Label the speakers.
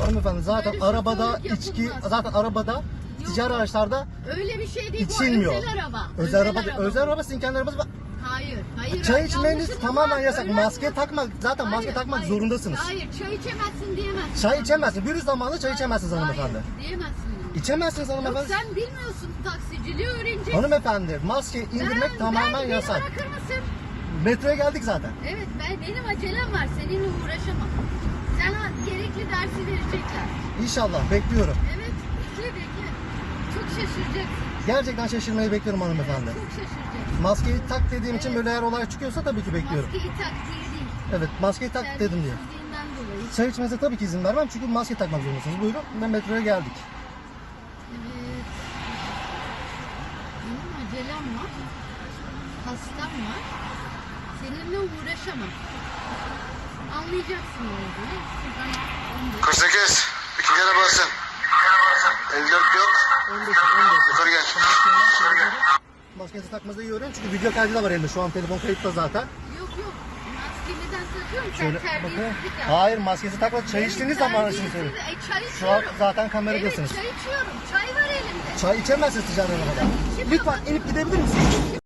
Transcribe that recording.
Speaker 1: Hanımefendi zaten
Speaker 2: Böyle
Speaker 1: arabada
Speaker 2: şoförlük
Speaker 1: içki,
Speaker 2: yapılmaz.
Speaker 1: zaten arabada ticari araçlarda
Speaker 2: Öyle bir şey değil.
Speaker 1: içilmiyor.
Speaker 2: Bu özel araba.
Speaker 1: Özel araba sizin kendi arabanız var.
Speaker 2: Hayır.
Speaker 1: Çay içmeniz
Speaker 2: Yanlışınız
Speaker 1: tamamen
Speaker 2: var.
Speaker 1: yasak.
Speaker 2: Öyle
Speaker 1: Maske
Speaker 2: olmaz.
Speaker 1: takmak, zaten maske takmak zorundasınız.
Speaker 2: Hayır, çay içemezsin diyemezsin.
Speaker 1: Çay içemezsiniz. Virüs zamanında çay içemezsiniz hanımefendi.
Speaker 2: Hayır, diyemezsin.
Speaker 1: İçemezsiniz
Speaker 2: Yok
Speaker 1: hanımefendi.
Speaker 2: sen bilmiyorsun, taksiciliği öğreneceksin.
Speaker 1: Hanımefendi maske indirmek tamamen
Speaker 2: beni
Speaker 1: yasak.
Speaker 2: bırakır mısın?
Speaker 1: Metroya geldik zaten.
Speaker 2: Evet, benim acelem var. Seninle uğraşamam. Sana gerekli dersi verecekler.
Speaker 1: İnşallah bekliyorum.
Speaker 2: Evet, bekle. Çok şaşıracaksın.
Speaker 1: Gerçekten şaşırmayı bekliyorum hanımefendi.
Speaker 2: Çok şaşıracaksın.
Speaker 1: Maskeyi tak dediğim için böyle eğer olay çıkıyorsa tabii ki bekliyorum.
Speaker 2: Maskeyi tak diye değil.
Speaker 1: Evet maskeyi tak dedim diye.
Speaker 2: Terbiyesizliğinden dolayı.
Speaker 1: Çay içmenize tabii ki izin vermem çünkü maske takmak zorundasınız. Buyurun ve metroya geldik.
Speaker 2: Evet. Benim acelem var. Hastam var. Seninle uğraşamam. Anlayacaksın ne olduğunu. Şuradan
Speaker 3: 48. İki kere basın. 54 yok.
Speaker 1: 15.
Speaker 3: Yukarı gel.
Speaker 1: Maskenizi takmanızı iyi öğrenin çünkü video kaydı da var elimde. Şu an telefon kayıtta zaten.
Speaker 2: Yok. Maskemi neden takıyorum?
Speaker 1: Şöyle
Speaker 2: Sen
Speaker 1: bakın.
Speaker 2: terbiyesizlik yap.
Speaker 1: Hayır maskenizi takmadan çay içtiğiniz zaman için söylüyorum.
Speaker 2: Çay
Speaker 1: Şu an
Speaker 2: içiyorum.
Speaker 1: zaten kameradasınız.
Speaker 2: Evet çay içiyorum. Çay var elimde.
Speaker 1: Çay içemezsiniz ticari arabada.
Speaker 2: İçemem.
Speaker 1: Lütfen inip gidebilir misiniz?